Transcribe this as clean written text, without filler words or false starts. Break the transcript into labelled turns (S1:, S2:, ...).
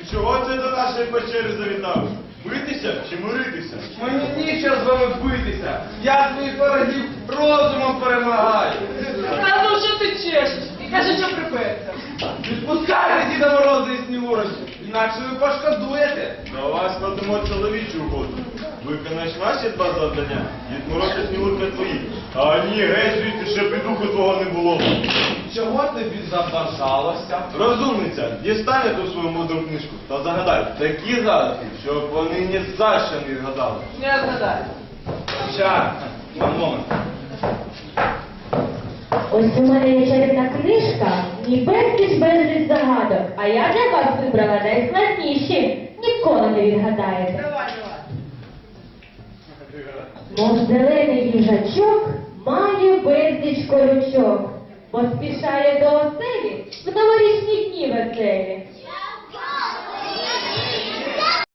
S1: Чого це до нашої печери завітав? Битися чи миритися?
S2: Мені нічого з вами битися. Я своїх ворогів розумом перемагаю.
S3: А ну що ти чешеш? І кажи, що приперся.
S2: Відпускайте Діда Мороза і Снігурочку, інакше ви пошкодуєте.
S1: До вас складемо чоловічу угоду. Виконаєш наші два завдання, Дід Мороз і Снігурка твої. А ні, геть звідти, щоб і духу твого не було.
S2: Чого тобі забажалося?
S1: Розумниця, дістане ту свою мудру книжку та загадай такі загадки, щоб вони ні за що не згадали.
S3: Не згадай.
S2: Щас, момент.
S4: Ось у мене є чарівна книжка, ні безліч загадок, а я для вас вибрала найскладніші, ніколи не відгадаєте.
S3: Давай.
S4: Мов зелений їжачок має безліч колючок, поспішає до оселі в новорічні дні веселі.